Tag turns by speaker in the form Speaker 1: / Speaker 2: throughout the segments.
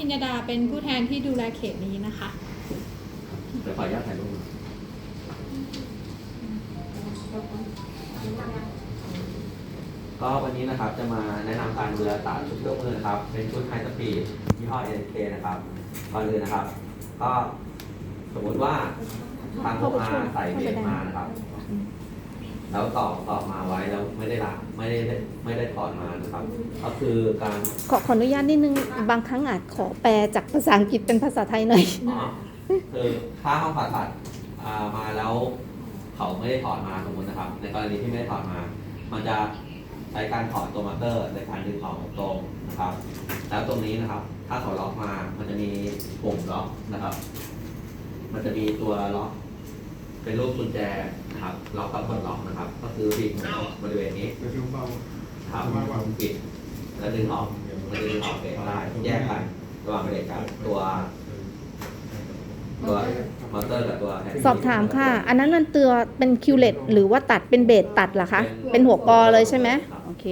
Speaker 1: ญญาดาเป็นผู้แทนที่ดูแลเขตนี้นะคะ
Speaker 2: เดี๋ยวขออนุญาตถ่ายรูปก็วันนี้นะครับจะมาแนะนำการดูแลตาชุดเครื่องมือนะครับเป็นชุดไฮสปีดยี่ห้อ NK นะครับก่อนอื่นนะครับ ก็สมมุติว่าทางโรงงานใส่เบรกมานะครับแล้วต่อมาไว้แล้วไม่ได้ล้างไม่ได้ถอดมานะครับก็คือการ
Speaker 3: ขออนุญาตนิดนึงบางครั้งอาจขอแปลจากภาษาอังกฤษเป็นภาษาไทยหน่อย
Speaker 2: คือถ้าห้องผ่าตัดมาแล้วเขาไม่ได้ถอดมาสมมตินะครับในกรณีที่ไม่ได้ถอดมา มันจะใช้การถอดตัวมอเตอร์ในการดึงออกตรงนะครับแล้วตรงนี้นะครับ ถ้าเขาล็อกมามันจะมีปุ่มล็อกนะครับ มันจะมีตัวล็อกเป็นรูปกุญแจนะครับล็อกกับกดล็อกนะครับ ก็คือบิดบริเวณนี้ครับปิดแล้วดึงออกมันจะดึงออกเองได้แยกกันระหว่างเบรกกับตัวมอเตอร์กับตัว
Speaker 3: สอบถามค่ะอันนั้นมันตัวเป็นคิวเลตหรือว่าตัดเป็นเบสตัดเหรอคะเป็นหัวกอเลยใช่ไหมโอเค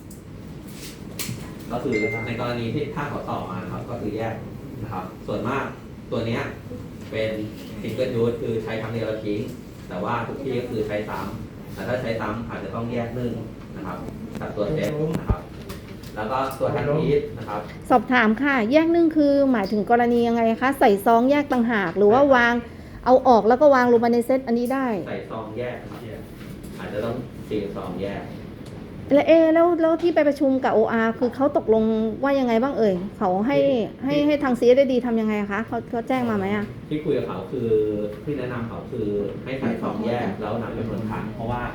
Speaker 2: ก็คือในกรณีที่ถ้าเขาต่อมานะครับก็คือแยกนะครับส่วนมากตัวนี้เป็นซิงเกิลยูสคือใช้ครั้งเดียวแล้วทิ้งแต่ว่าทุกที่ก็คือใช้ซ้ำแต่ถ้าใช้ซ้ำอาจจะต้องแยกนึ่งนะครับกับตัวเซฟนะครับแล้วก็ตัวแฮนด์พีซนะครับ
Speaker 3: สอบถามค่ะแยกนึ่งคือหมายถึงกรณียังไงคะใส่ซองแยกต่างหากหรือว่าวางเอาออกแล้วก็วางลงมาในเซตอันนี้ได้
Speaker 2: ใส่ซองแยกอาจจะต้องซีลซองแยก
Speaker 3: แล้วที่ไปประชุมกับ OR คือเขาตกลงว่ายังไงบ้างเอ่ยเขาให้ทาง CSD ทำยังไงคะเขาแจ้งมาไหมอ่ะ
Speaker 2: ที่คุยกับเขาคือที่แนะนำเขาคือให้ใส่ซองแยกแล้วนับจำนวนครั้งเพราะว่า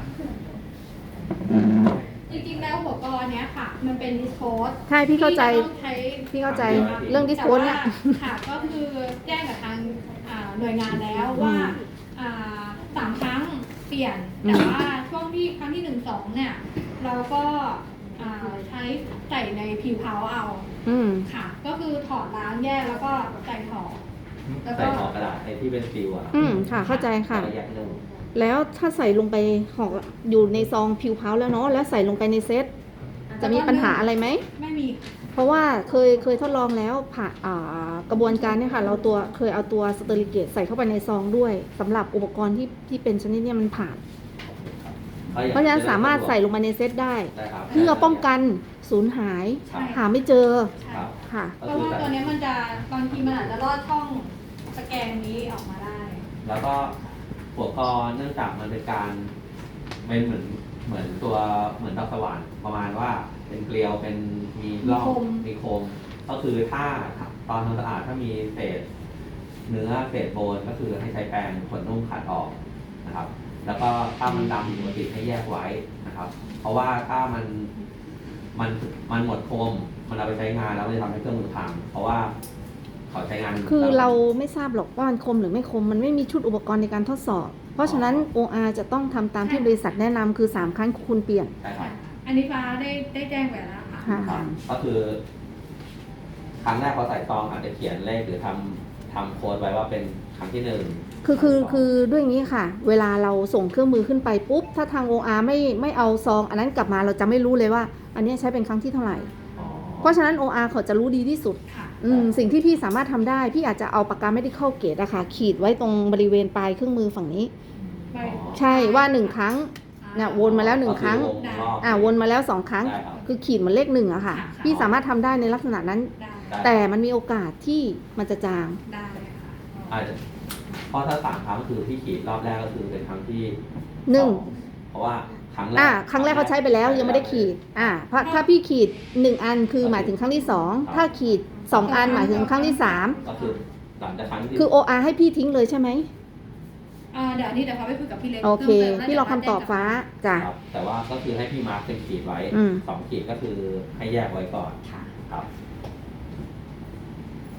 Speaker 1: จริงๆแล้วหัวกรเนี้ยค่ะมันเป็นดิสโพส
Speaker 3: ใช่พี่เข้าใจ
Speaker 1: พี่
Speaker 3: เข้าใจเรื่องดิสโพสเนี่ย
Speaker 1: ค่ะก็คือแจ้งกับทางหน่วยงานแล้วว่า3 ครั้งเปลี่ยนแต่ว่าช่วงที่ครั้งที่ 1-2เนี่ยเราก็ใช้ใส่ในผิวเผาเอาค่ะก็คือถอดล้างแยกแล้วก็ใส่ถอด
Speaker 2: ใส่ห่อกระดาษในที่เป็นฟิว
Speaker 3: ค่ะเข้าใจค่ะแล้วถ้าใส่ลงไปห่ออยู่ในซองผิวเผาแล้วเนาะแล้วใส่ลงไปในเซตจะมีปัญหาอะไรไหม
Speaker 1: ไม่มี
Speaker 3: เพราะว่าเคยทดลองแล้วผ่ากระบวนการเนี่ยค่ะเราเคยเอาตัวสเตอริเกตใส่เข้าไปในซองด้วยสำหรับอุปกรณ์ที่เป็นชนิดนี้มันผ่านเพราะฉะนั้นสามารถใส่ลงมาในเซตได้เพื่อป้องกันสูญหายหาไม่เจอ
Speaker 1: ค่ะเพราะว่าตัวนี้มันจะบางทีมันอาจจะลอดช่องสแกนนี้ออกมาได้
Speaker 2: แล้วก็หัวกรเนื่องจากมันเป็นการเป็นเหมือนตัวเหมือนดอกสว่านประมาณว่าเป็นเกลียวเป็นมีร่องมีคมก็คือถ้าตอนทำสะอาดถ้ามีเศษเนื้อเศษโบนก็คือให้ใช้แปรงขนนุ่มขัดออกนะครับแล้วก็ถ้ามันดำผิดปกติให้แยกไว้นะครับเพราะว่าถ้ามันหมดคมมันเอาไปใช้งานแล้วมันจะทำให้เครื่องมือพังเพราะว่าเขาใช้งาน
Speaker 3: คือเราไม่ทราบหรอกว่ามันคมหรือไม่คมมันไม่มีชุดอุปกรณ์ในการทดสอบเพราะฉะนั้น OR จะต้องทำตามที่บริษัทแนะนำคือ3 ครั้งคุณเปลี่ยน
Speaker 1: อันนี้ฟ้าได้แจ้งไปแล้วค่ะ
Speaker 2: ก็คือครั้งแรกพอใส่ซองอาจจะเขียนเลขหรือทำโค้ดไว้ว่าเป็นครั้งที่1
Speaker 3: คือด้วยอย่างนี้ค่ะเวลาเราส่งเครื่องมือขึ้นไปปุ๊บถ้าทาง OR ไม่เอาซองอันนั้นกลับมาเราจะไม่รู้เลยว่าอันนี้ใช้เป็นครั้งที่เท่าไหร่เพราะฉะนั้น OR เขาจะรู้ดีที่สุดสิ่งที่พี่สามารถทำได้พี่อาจจะเอาปากกา medical grade อะค่ะขีดไว้ตรงบริเวณปลายเครื่องมือฝั่งนี้ใช่ว่า1 ครั้งเนี่ยวนมาแล้ว1 ครั้งวนมาแล้ว2 ครั้งคือขีดเหมือนเลข1อะค่ะพี่สามารถทำได้ในลักษณะนั้นแต่มันมีโอกาสที่มันจะจาง
Speaker 1: ได้
Speaker 2: อาจจะเพราะถ้า3 ครั้งคือที่ขีดรอบแรกก็คือเป็นครั้งที่1เพราะว่าครั้งแ
Speaker 3: รกเขาใช้ไปแล้วยังไม่ได้ขีดเพราะถ้าพี่ขีด1 อันคือหมายถึงครั้งที่2ถ้าขีด2 อันหมายถึงครั้งที่3
Speaker 2: ก็คือหลังจากครั้งที่
Speaker 3: คือ OR ให้พี่ทิ้งเลยใช่ไหม
Speaker 1: เดี๋ยวนี้เขาไปคุยกับพี่เล็ก
Speaker 3: โอเคพี่รอคำตอบฟ้าจ้ะ
Speaker 2: แต่ว่าก็คือให้พี่มาร์คเป็นขีดไว้2 ขีดก็คือให้แยกไว้ก่อนครับ